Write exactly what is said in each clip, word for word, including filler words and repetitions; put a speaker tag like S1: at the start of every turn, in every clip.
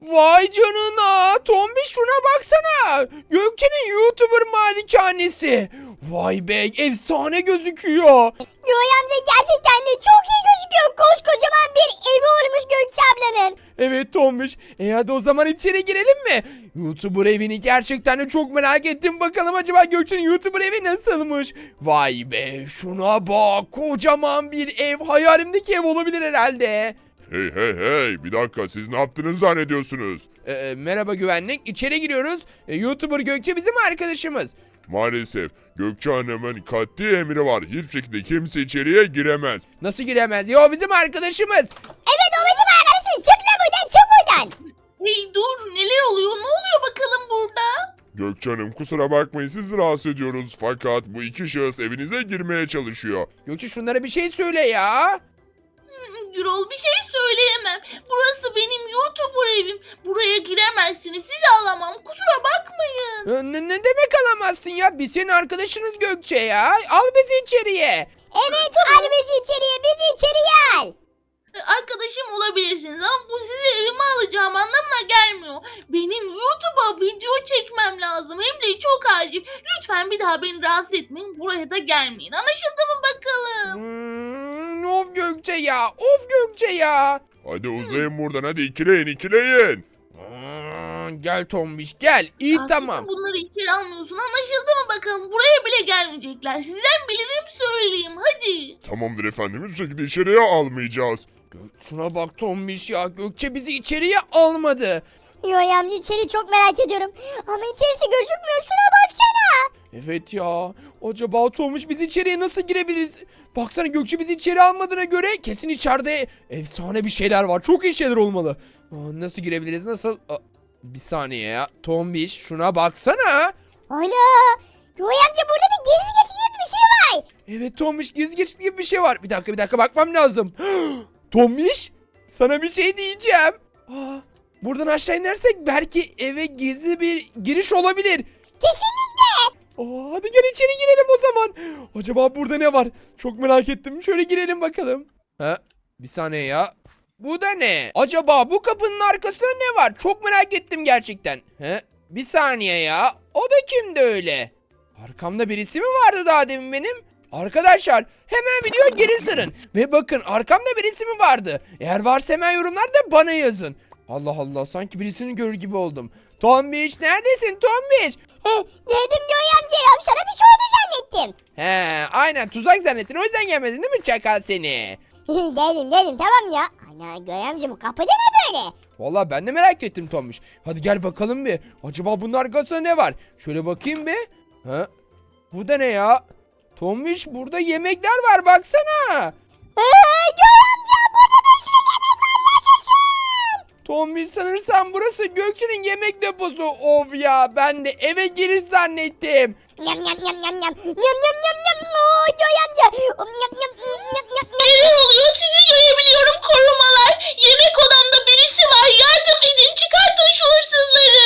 S1: Vay canına. Tombi şuna baksana. Gökçe'nin YouTuber malikanesi. Vay be, efsane gözüküyor.
S2: Yoy amca gerçekten de çok iyi gözüküyor. Koskocaman bir evi olmuş Gökçe ablanın.
S1: Evet Tombiş. E hadi o zaman içeri girelim mi? YouTuber evini gerçekten de çok merak ettim. Bakalım acaba Gökçe'nin YouTuber evi nasılmış? Vay be, şuna bak. Kocaman bir ev. Hayalimdeki ev olabilir herhalde.
S3: Hey hey hey, bir dakika, siz ne yaptınız zannediyorsunuz?
S1: Ee, merhaba güvenlik. İçeri giriyoruz. Ee, YouTuber Gökçe bizim arkadaşımız.
S3: Maalesef Gökçe Hanım'ın katli emri var. Hiçbir şekilde kimse içeriye giremez.
S1: Nasıl giremez? Ya o bizim arkadaşımız.
S2: Evet o bizim arkadaşımız. Çık lan buradan, çık buradan.
S4: Hey dur, neler oluyor? Ne oluyor bakalım burada?
S3: Gökçe Hanım, kusura bakmayın, sizi rahatsız ediyoruz. Fakat bu iki şahıs evinize girmeye çalışıyor.
S1: Gökçe şunlara bir şey söyle ya.
S4: Hmm, Gürol, bir şey söyleyemem. Burası benim YouTuber evim. Buraya giremezsiniz. Sizi alamam. Kusura bakmayın.
S1: Ee, Ne, ne demek alamazsın ya? Biz senin arkadaşınız Gökçe ya. Al bizi içeriye.
S2: Evet al bizi içeriye, bizi içeriye al.
S4: Ee, Arkadaşım olabilirsiniz ama bu sizi evime alacağım anlamına gelmiyor. Benim YouTube'a video çekmem lazım. Hem de çok acil. Lütfen bir daha beni rahatsız etmeyin. Buraya da gelmeyin. Anlaşıldı mı bakalım?
S1: Hmm, of Gökçe ya. Of Gökçe ya.
S3: Hadi uzayın buradan, hadi ikileyin ikileyin.
S1: Hmm, gel Tombiş gel. İyi
S4: Aslında
S1: tamam.
S4: bunları içeri almıyorsun. Anlaşıldı mı bakalım? Buraya bile gelmeyecekler. Sizden bilirim söyleyeyim. Hadi.
S3: Tamamdır efendim, hiçbir şekilde içeriye almayacağız.
S1: Gök- Şuna bak Tombiş ya. Gökçe bizi içeriye almadı.
S2: Yoy amca içeri çok merak ediyorum. Ama içerisi gözükmüyor, şuna baksana.
S1: Evet ya. Acaba Tomuş biz içeriye nasıl girebiliriz? Baksana Gökçe bizi içeri almadığına göre kesin içeride efsane bir şeyler var. Çok iyi şeyler olmalı. Aa, nasıl girebiliriz? Nasıl? Aa, bir saniye ya. Tombiş şuna baksana.
S2: Ana. Yoy amca burada bir gizli geçit gibi bir şey var.
S1: Evet Tombiş gizli geçit gibi bir şey var. Bir dakika bir dakika bakmam lazım. Tombiş sana bir şey diyeceğim. Aa, buradan aşağı inersek belki eve gizli bir giriş olabilir.
S2: Kesinlikle.
S1: Aa, hadi gel içeri girelim o zaman. Acaba burada ne var? Çok merak ettim. Şöyle girelim bakalım. Ha? Bir saniye ya. Bu da ne? Acaba bu kapının arkasında ne var? Çok merak ettim gerçekten. He? Bir saniye ya. O da kimdi öyle? Arkamda birisi mi vardı daha demin benim? Arkadaşlar hemen videoya geri sarın. Ve bakın arkamda birisi mi vardı? Eğer varsa hemen yorumlarda bana yazın. Allah Allah, sanki birisini görür gibi oldum. Tombiş neredesin Tombiş?
S2: Heh, geldim Yoy amca ya, sana bir şey oldu zannettim.
S1: He, aynen tuzak zannettin, o yüzden gelmedin değil mi çakal seni?
S2: geldim geldim tamam ya. Ana Yoy amca bu kapıda ne böyle?
S1: Vallahi ben de merak ettim Tombiş. Hadi gel bakalım bir. Acaba bunun arkasında ne var? Şöyle bakayım bir. Ha? Bu da ne ya? Tombiş burada yemekler var baksana.
S2: Eee Yoy amca burada bir sürü yemek var, yaşasın.
S1: Tombiş sanırsam burası Gökçe'nin yemek deposu. Of ya, ben de eve giriş zannettim.
S2: Yam yam yam yam yam. Yam yam yam yam. Oo Yoy amca. Yam yam yam yam yam.
S4: Neler oluyor? Sizi görebiliyorum korumalar. Yemek odamda birisi var. Yardım edin. Çıkartın şu hırsızları.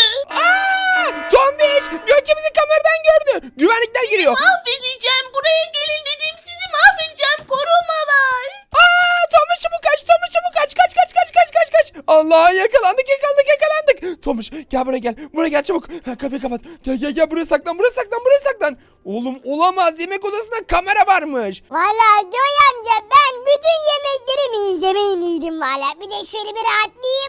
S1: Aa! Tombiş! Gökçe bizi kameradan gördü. Güvenlikler geliyor.
S4: Mahvedeceğim. Buraya gelin dedim. Sizi mahvedeceğim korumalar.
S1: Aa, Tomuş çabuk kaç, Tomuş çabuk kaç, kaç kaç kaç kaç kaç kaç. Allah, yakalandık yakalandık yakalandık. Tomuş gel buraya gel, buraya gel çabuk. Ha, kapıyı kapat. Gel gel gel, buraya saklan, buraya saklan, buraya saklan. Oğlum olamaz, yemek odasında kamera varmış.
S2: Valla Yoy amca ben bütün yemekleri mideme yedim valla. Bir de şöyle bir rahatlayayım.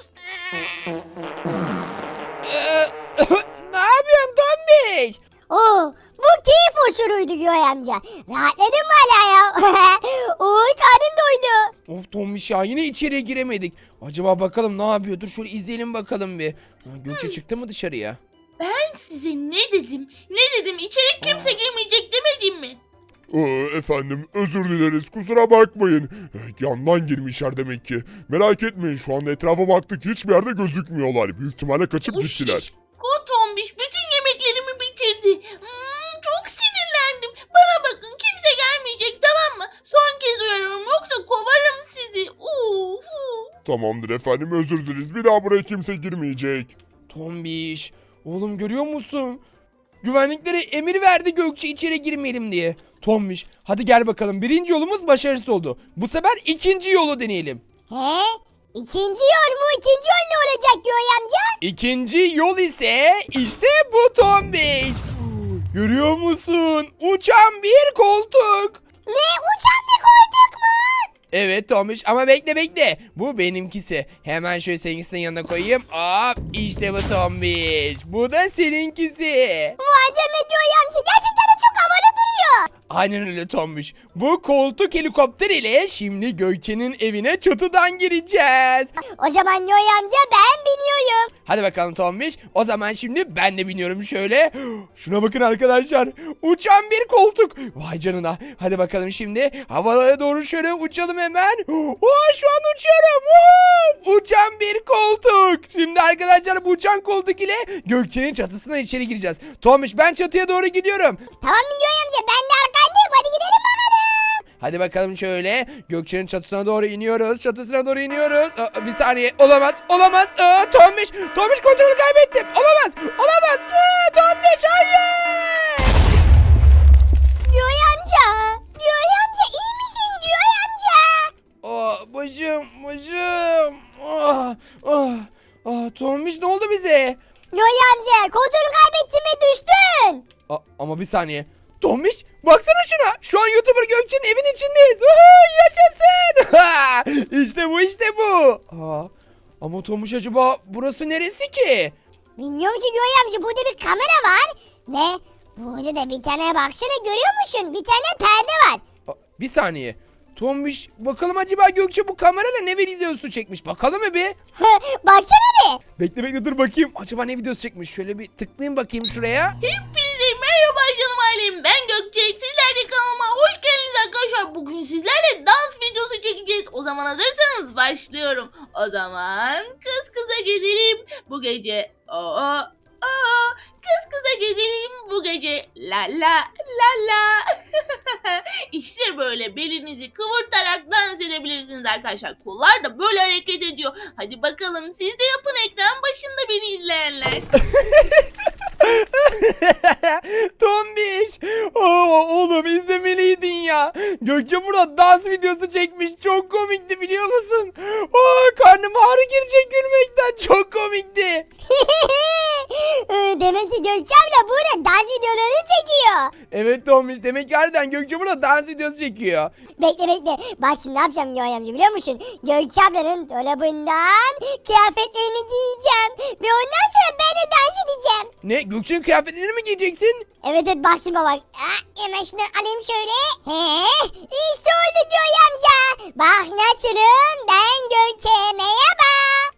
S1: Ee, ne yapıyorsun Tomuş?
S2: Oo bu keyif hoşuruydu Yoy amca. Rahatladım valla ya. Oy karnım doydu.
S1: Of Tomuş ya, yine içeriye giremedik. Acaba bakalım ne yapıyor? Dur şöyle izleyelim bakalım bir. Ha, Gökçe çıktı mı dışarıya?
S4: Ben size ne dedim? Ne dedim? İçeri kimse girmeyecek demedim mi?
S3: Ee, efendim, özür dileriz, kusura bakmayın. Eh, Yandan girmişler demek ki. Merak etmeyin, şu anda etrafa baktık, hiçbir yerde gözükmüyorlar. Büyük ihtimalle kaçıp gittiler.
S4: Kotombiş bütün yemeklerimi bitirdi. Hmm, çok sinirlendim. Bana bakın, kimse gelmeyecek, tamam mı? Son kez uyarıyorum, yoksa kovarım sizi. Uf, uf.
S3: Tamamdır efendim, özür dileriz. Bir daha buraya kimse girmeyecek.
S1: Tombiş, oğlum görüyor musun? Güvenliklere emir verdi Gökçe içeri girmeyelim diye. Tombiş, hadi gel bakalım. Birinci yolumuz başarısız oldu. Bu sefer ikinci yolu deneyelim.
S2: He? İkinci yol mu? İkinci yol ne olacak Göğe amca?
S1: İkinci yol ise işte bu Tombiş. Görüyor musun? Uçan bir koltuk.
S2: Ne? Uçan bir koltuk mu?
S1: Evet Tomiş ama bekle bekle. Bu benimkisi. Hemen şöyle seninkisinin yanına koyayım. Hop işte bu Tombiş. Bu da seninkisi.
S2: Vay canına Göğe amca. Gerçekten de çok havalı duruyor.
S1: Aynen öyle Tombiş. Bu koltuk helikopter ile şimdi Gökçe'nin evine çatıdan gireceğiz.
S2: O zaman Göğe amca ben biniyorum.
S1: Hadi bakalım Tombiş. O zaman şimdi ben de biniyorum şöyle. Şuna bakın arkadaşlar. Uçan bir koltuk. Vay canına. Hadi bakalım şimdi havalara doğru şöyle uçalım hemen. Oo, şu an uçuyorum. Oo, uçan bir koltuk. Şimdi arkadaşlar bu uçan koltuk ile Gökçe'nin çatısına içeri gireceğiz. Tombiş ben çatıya doğru gidiyorum.
S2: Tamam mı Göğe amca? Ben de arkandayım. Hadi gidelim bakalım.
S1: Hadi bakalım şöyle. Gökçe'nin çatısına doğru iniyoruz. Çatısına doğru iniyoruz. Aa, bir saniye. Olamaz. Olamaz. Aa, Tombiş. Tombiş kontrolü kaybettim. Olamaz. Olamaz. Aa, Tombiş hayır.
S2: Göğe amca. Göğe amca iyi misin Göğe amca?
S1: Aa, başım. Başım. Ah, ah, ah, Tombiş ne oldu bize?
S2: Göğe amca kontrolü kaybettin ve düştün.
S1: Aa, ama bir saniye. Tombiş baksana şuna. Şu an YouTuber Gökçe'nin evin içindeyiz. Uhu, yaşasın. işte bu işte bu. Aa, ama Tombiş acaba burası neresi ki?
S2: Bilmiyorum ki Göğe amca burada bir kamera var. Ve burada da bir tane baksana görüyor musun? Bir tane perde var.
S1: Aa, bir saniye. Tombiş bakalım acaba Gökçe bu kamerayla ne videosu çekmiş? Bakalım mı bir?
S2: Baksana bir.
S1: Bekle bekle dur bakayım. Acaba ne videosu çekmiş? Şöyle bir tıklayayım bakayım şuraya.
S4: Hepinize merhaba canım ailem. Ben Gökçe. Sizler de kanalıma hoş geldiniz arkadaşlar. Bugün sizlerle dans videosu çekeceğiz. O zaman hazırsanız başlıyorum. O zaman kız kıza gezelim bu gece. Aa, aa, kız kıza gezelim bu gece. La la la la. İşte böyle belinizi kıvırtarak dans edebilirsiniz arkadaşlar. Kollar da böyle hareket ediyor. Hadi bakalım siz de yapın ekran başında beni izleyenler.
S1: Tombiş. Oo, oğlum izlemeliydin ya. Gökçe burada dans videosu çekmiş. Çok komikti biliyor musun? Oo, karnım ağrı girecek gülmekten. Çok komikti.
S2: Demek ki Gökçe abla burada dans videoları çekiyor.
S1: Evet Tombiş demek ki harbiden Gökçe burada dans videosu çekiyor.
S2: Bekle bekle. Bak şimdi ne yapacağım Göğe amca biliyor musun? Gökçe ablanın dolabından kıyafetlerini giyeceğim. Ve ondan sonra ben de dans edeceğim.
S1: Ne? Gökçe'nin kıyafetlerini mi giyeceksin?
S2: Evet evet bak şimdi bak. Ah, hemen şunları alayım şöyle. He, işte oldu Göğe amca. Bak nasılım ben Gökçe merhaba.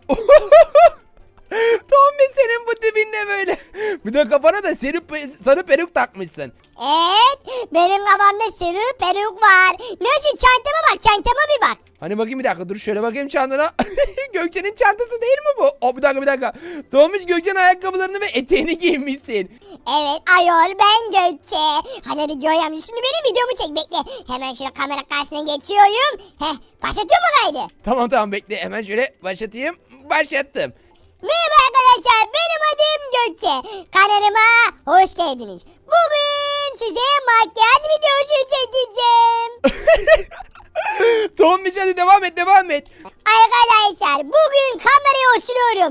S1: Tombiş senin bu tipin ne böyle? Bir de kafana da sarı, sarı peruk takmışsın.
S2: Evet benim kafamda sarı peruk var. Nasıl çantama bak çantama bir bak.
S1: Hani bakayım bir dakika dur şöyle bakayım çantana. Gökçe'nin çantası değil mi bu? O bir dakika bir dakika. Tombiş Gökçe'nin ayakkabılarını ve eteğini giymişsin.
S2: Evet ayol ben Gökçe. Hadi hadi Göğe amca şimdi benim videomu çek bekle. Hemen şöyle kamera karşısına geçiyorum. Heh başlatıyor mu kaydı?
S1: Tamam tamam bekle hemen şöyle başlatayım. Başlattım.
S2: Merhaba arkadaşlar benim adım Gökçe. Kanalıma hoş geldiniz. Bugün size makyaj videosu çekeceğim.
S1: Tombiş hadi devam et devam et.
S2: Arkadaşlar bugün kamerayı osuruyorum.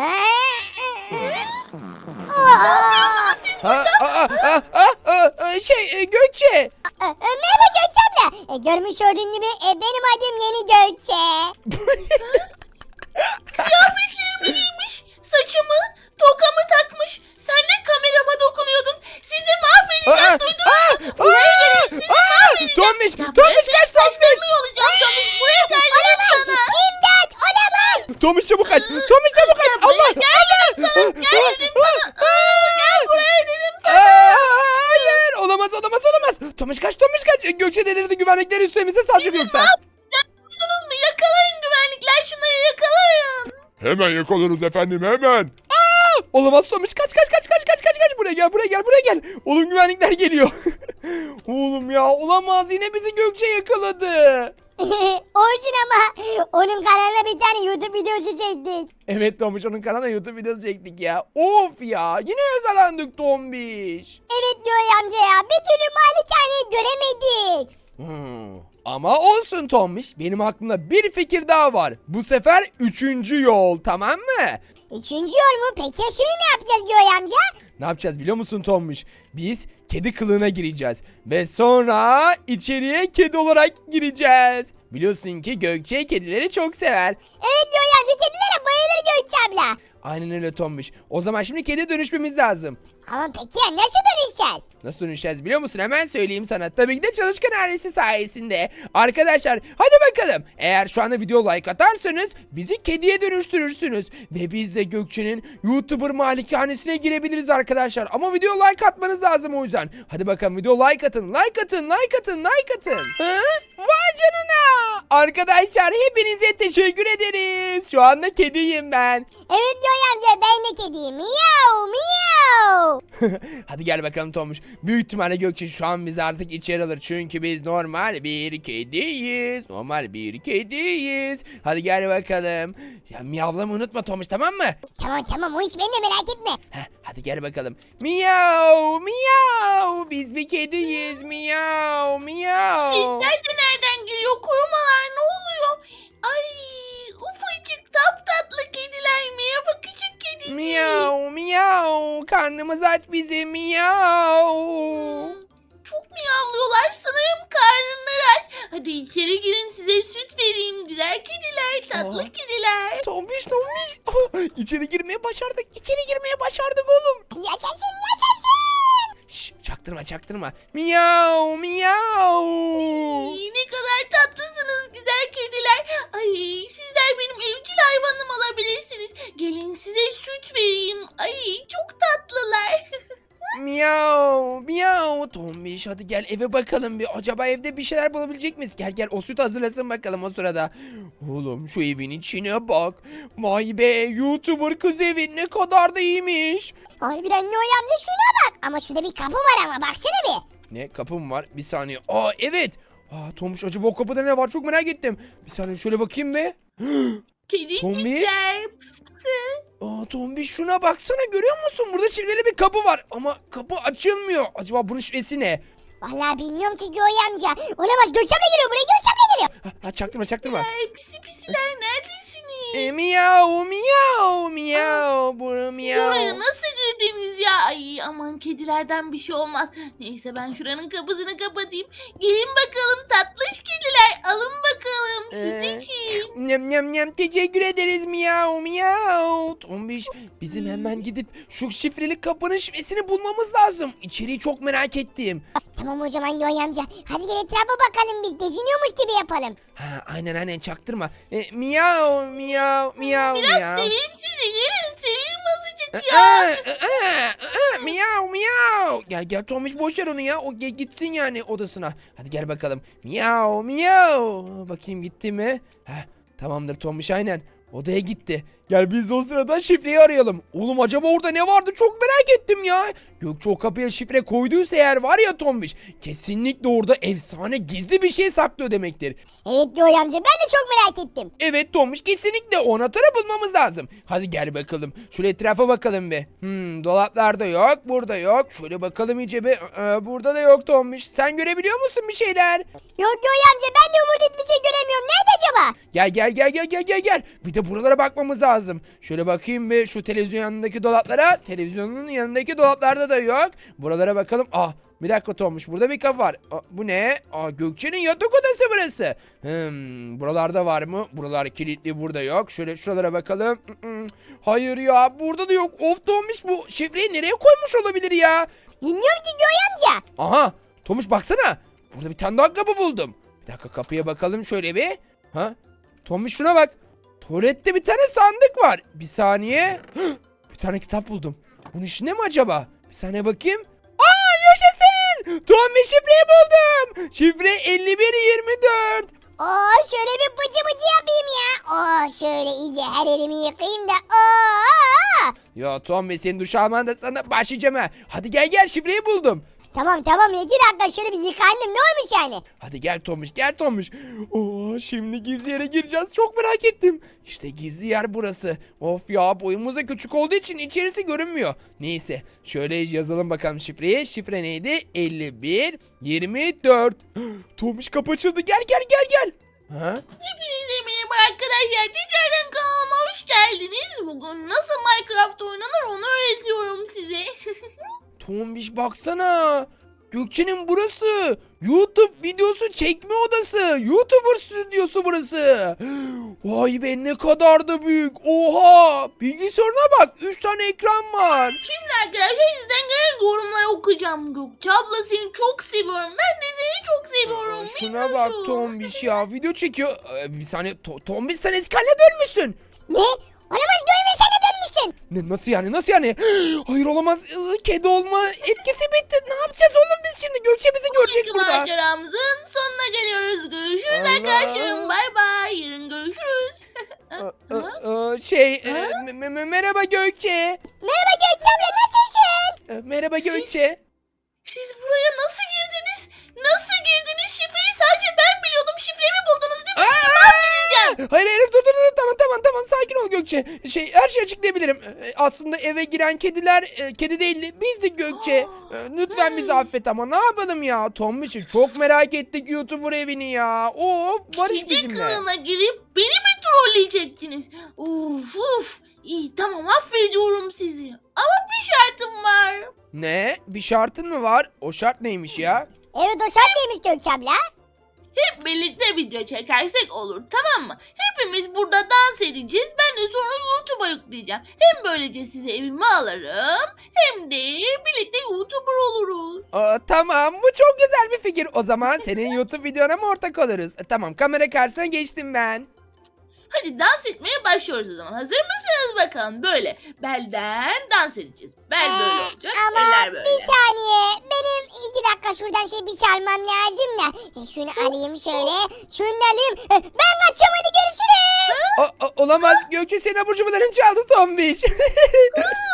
S1: Ha, aa, aa, aa, aa, aa, şey e, Gökçe.
S2: Merhaba Gökçe abla. E, görmüş olduğun gibi e, benim adım Yeni Gökçe.
S4: Kıyafetlerimi giymiş, saçımı, tokamı takmış. Sen de kamerama dokunuyordun. Sizi mahvedeceğim
S1: Aa,
S4: duydun
S1: aa,
S4: mu? Buraya
S1: aa,
S4: gelin sizi
S1: aa,
S4: mahvedeceğim.
S1: Tombiş,
S4: Ya
S1: Tombiş
S4: buraya
S1: kaç
S4: senin
S1: Tombiş.
S4: saçlarını yolacağım Tombiş. Buraya gel dedim sana.
S2: İmdat olamaz.
S1: Tombiş çabuk kaç. Tombiş çabuk kaç. Allah.
S4: Gel dedim sana. Gel dedim sana. Aa, gel buraya dedim sana.
S1: Aa, hayır olamaz olamaz olamaz. Tombiş kaç Tombiş kaç. Gökçe delirdi güvenlikler üstümüze salacak yoksa.
S4: Duydunuz mu? Yakalayın güvenlikler şunları yakalayın.
S3: Hemen yakalarız efendim hemen.
S1: Olamaz Tomiş kaç kaç kaç kaç kaç kaç kaç buraya gel buraya gel buraya gel. Oğlum güvenlikler geliyor. Oğlum ya olamaz yine bizi Gökçe yakaladı.
S2: Olsun ama onun kanalına bir tane YouTube videosu çektik.
S1: Evet Tomiş onun kanalına YouTube videosu çektik ya. Of ya yine yakalandık Tombiş.
S2: Evet Göğe amca ya bir türlü malikaneyi göremedik.
S1: Hmm. Ama olsun Tombiş, benim aklımda bir fikir daha var. Bu sefer üçüncü yol, tamam mı?
S2: Üçüncü yol mu? Peki ya şimdi ne yapacağız Göğe amca?
S1: Ne yapacağız biliyor musun Tombiş? Biz kedi kılığına gireceğiz. Ve sonra içeriye kedi olarak gireceğiz. Biliyorsun ki Gökçe kedileri çok sever.
S2: Evet Göğe amca, kedilere bayılır Gökçe abla.
S1: Aynen öyle Tombiş. O zaman şimdi kedi dönüşmemiz lazım.
S2: Ama peki ya nasıl dönüşeceğiz?
S1: Nasıl dönüşeceğiz biliyor musun? Hemen söyleyeyim sana. Tabii ki de çalışkan ailesi sayesinde. Arkadaşlar hadi bakalım. Eğer şu anda video like atarsanız bizi kediye dönüştürürsünüz. Ve biz de Gökçe'nin YouTuber malikanesine girebiliriz arkadaşlar. Ama video like atmanız lazım o yüzden. Hadi bakalım video like atın. Like atın, like atın, like atın. Hı? Vay canına. Arkadaşlar hepinize teşekkür ederiz. Şu anda kediyim ben.
S2: Evet Göğe amca, ben de kediyim. Miyav miyav.
S1: Hadi gel bakalım Tomuş. Büyük ihtimalle Gökçe şu an bizi artık içeri alır. Çünkü biz normal bir kediyiz. Normal bir kediyiz. Hadi gel bakalım. Ya miyavlamayı unutma Tomuş, tamam mı?
S2: Tamam tamam, o iş bende, merak etme.
S1: Heh, hadi gel bakalım. Miyav miyav. Biz bir kediyiz. Miyav miyav.
S4: Sesler de nereden geliyor? Korumalar ne oluyor? Ay ufacık tatlı kediler. Merhaba küçük kedicik.
S1: Miyav miyav. Karnımız aç bizim. Miyav.
S4: Çok miyavlıyorlar, sanırım karnları aç. Hadi içeri girin, size süt vereyim. Güzel kediler, tatlı
S1: Aa.
S4: kediler.
S1: Tombiş tombiş. Oh, içeri girmeye başardık. İçeri girmeye başardık oğlum.
S2: Yaşasın yaşasın.
S1: Şş, çaktırma çaktırma. Miyav miyav.
S4: Ay, ne kadar tatlısınız güzel kediler. Ay sizler benim evcil hayvanım olabilirsiniz. Gelin size süt vereyim. Ay çok tatlılar.
S1: Miyav miyav. Tombiş hadi gel eve bakalım bir. Acaba evde bir şeyler bulabilecek miyiz? Gel gel o süt hazırlasın bakalım o sırada. Oğlum şu evin içine bak. Vay be, YouTuber kız evi ne kadar da iyiymiş.
S2: Harbiden Göğe amca, şuna bak. Ama şurada bir kapı var ama, baksana bir.
S1: Ne kapım var? Bir saniye. Aa evet. Aa Tombiş acaba o kapıda ne var? Çok merak ettim. Bir saniye şöyle bakayım be.
S4: Kedicikler pıs pısı.
S1: Aa Tombiş şuna baksana, görüyor musun? Burada şifreli bir kapı var ama kapı açılmıyor. Acaba bunun şifresi ne?
S2: Vallahi bilmiyorum ki Göğe amca. Olamaz, Gökçe abla geliyor buraya, Gökçe abla geliyor.
S1: Ha, ha, çaktırma çaktırma.
S4: Ay, pisi pisiler neredesiniz?
S1: E, miyav miyav miyav. Bura miyav.
S4: Şuraya nasıl girdiniz ya? Ay aman kedilerden bir şey olmaz. Neyse ben şuranın kapısını kapatayım. Gelin bakalım tatlış kediler. Alın bakalım süt
S1: Ee,
S4: için.
S1: Nem nem nem teşekkür ederiz miyav miyav. Tombiş bizim hemen gidip şu şifreli kapının şifresini bulmamız lazım. İçeriği çok merak ettim.
S2: Tamam o zaman Göğe amca. Hadi gel etrafa bakalım, biz geziniyormuş gibi yapalım.
S1: Ha aynen aynen çaktırma. E, miyav miyav miyav
S4: Biraz
S1: miyav.
S4: seveyim sizi. Gelin seveyim azıcık
S1: Aa,
S4: ya.
S1: aa, aa, miyav miyav. Gel gel Tomuş boş ver onu ya. O ge- gitsin yani odasına. Hadi gel bakalım. Miyav miyav. Bakayım gitti mi? Heh, tamamdır Tomuş aynen. Odaya gitti. Gel biz de o sırada şifreyi arayalım. Oğlum acaba orada ne vardı çok merak ettim ya. Gökçe o kapıya şifre koyduysa eğer var ya Tombiş. Kesinlikle orada efsane gizli bir şey saklıyor demektir.
S2: Evet Göğe amca, ben de çok merak ettim.
S1: Evet Tomuş kesinlikle o anahtarı bulmamız lazım. Hadi gel bakalım. Şöyle etrafa bakalım bir. Hmm, dolaplarda yok, burada yok. Şöyle bakalım iyice bir. Ee, burada da yok Tomuş. Sen görebiliyor musun bir şeyler?
S2: Yok Göğe amca, ben de umut bir şey göremiyorum. Nerede acaba?
S1: Gel gel gel gel gel gel gel. Bir de buralara bakmamız lazım. Şöyle bakayım bir şu televizyon yanındaki dolaplara. Televizyonun yanındaki dolaplarda da yok. Buralara bakalım. Ah bir dakika Tomuş, burada bir kapı var. Aa, bu ne? Aa Gökçe'nin yatak odası burası. Hmm, buralarda var mı? Buralar kilitli, burada yok. Şöyle şuralara bakalım. Mm-mm. Hayır ya, burada da yok. Of Tomuş, bu şifreyi nereye koymuş olabilir ya?
S2: Bilmiyorum ki Göğe amca.
S1: Aha Tomuş baksana. Burada bir tane daha kapı buldum. Bir dakika kapıya bakalım şöyle bir. Ha? Tomuş şuna bak. Tuvalette bir tane sandık var. Bir saniye. Bir tane kitap buldum. Bunun içinde mi acaba? Bir saniye bakayım. Aa yaşasın. Tomuş şifreyi buldum. Şifre elli bir yirmi dört.
S2: Oo, şöyle bir bıcı bıcı yapayım ya. Oo, şöyle iyice her elimi yıkayayım da. Oo.
S1: Ya Tomuş senin duş alman da sana başlayacağım ha. Hadi gel gel şifreyi buldum.
S2: Tamam tamam, iki dakika şöyle bir yıkandım, ne olmuş yani?
S1: Hadi gel Tomuş gel Tomuş. Oo, Şimdi gizli yere gireceğiz. Çok merak ettim. İşte gizli yer burası. Of ya, boyumuz da küçük olduğu için içerisi görünmüyor. Neyse, şöyle yazalım bakalım şifreyi. Şifre neydi? elli bir yirmi dört. Tomiş kapı açıldı. Gel gel gel gel. Ha?
S4: Hepinize merhaba arkadaşlar. Tekrardan kanalıma hoş geldiniz. Bugün nasıl Minecraft oynanır onu öğretiyorum size.
S1: Tombiş baksana. Gökçe'nin burası. YouTube videosu çekme odası. YouTuber stüdyosu burası. Vay be, ne kadar da büyük. Oha. Bilgisayarına bak. üç tane ekran var.
S4: Şimdi arkadaşlar sizden gelen yorumları okuyacağım. Gökçe abla seni çok seviyorum. Ben de seni çok seviyorum.
S1: Şuna bak
S4: Minnoşum.
S1: Tombiş ya. Video çekiyor. Ee, bir saniye. To- Tombiş sen eski haline dönmüşsün.
S2: Ne? Olamaz, görme sen de dönmüşsün.
S1: Ne, nasıl yani? Nasıl yani? Hayır olamaz. Iı, Kedi olma etkisi bitti. Ne yapacağız oğlum biz şimdi? Gökçe bizi görecek
S4: Bugünkü
S1: burada.
S4: maceramızın sonuna geliyoruz. Görüşürüz
S1: Allah.
S4: arkadaşlarım. Bay bay. Yarın görüşürüz.
S1: Ee, e, e, Şey, e, me- me- merhaba Gökçe.
S2: Merhaba Gökçe abla, nasılsın?
S1: E, Merhaba
S4: Siz-
S1: Gökçe.
S4: Siz buraya nasıl girdiniz? Nasıl girdiniz? Şifreyi sadece ben biliyordum. Şifremi buldunuz değil mi? Sizi mahvedeceğim.
S1: Hayır hayır, dur dur dur, tamam tamam tamam, sakin ol Gökçe. Şey, her şeyi açıklayabilirim. E, Aslında eve giren kediler e, kedi değildi, bizdik Gökçe. E, Lütfen bizi affet ama ne yapalım ya. Tombiş'i çok merak ettik, YouTuber evini ya. Of, barış
S4: Kedi
S1: bizimle.
S4: kılığına girip beni mi trolleyecektiniz? Uf uf. İyi tamam, affediyorum sizi. Ama bir şartım var.
S1: Ne? Bir şartın mı var? O şart neymiş ya?
S2: Evet, o şart neymiş Gökçe abla?
S4: Hep birlikte video çekersek olur, tamam mı? Hepimiz burada dans edeceğiz. Ben de sonra YouTube'a yükleyeceğim. Hem böylece size evime alırım hem de birlikte YouTuber oluruz.
S1: Aa, tamam, bu çok güzel bir fikir. O zaman senin YouTube videona mı ortak oluruz? E, tamam, kamera karşısına geçtim ben.
S4: Hadi dans etmeye başlıyoruz o zaman. Hazır mısınız bakalım? Böyle belden dans edeceğiz. Bel böyle
S2: Ee,
S4: olacak.
S2: Ama
S4: Eller böyle.
S2: bir saniye. Benim iki dakika şuradan şey bir çalmam lazım da. E, Şunu alayım şöyle. Şunu da alayım. E, Ben kaçıyorum, hadi görüşürüz.
S1: O- o- olamaz, Gökçe senin abur cuburlarını çaldı Tombiş.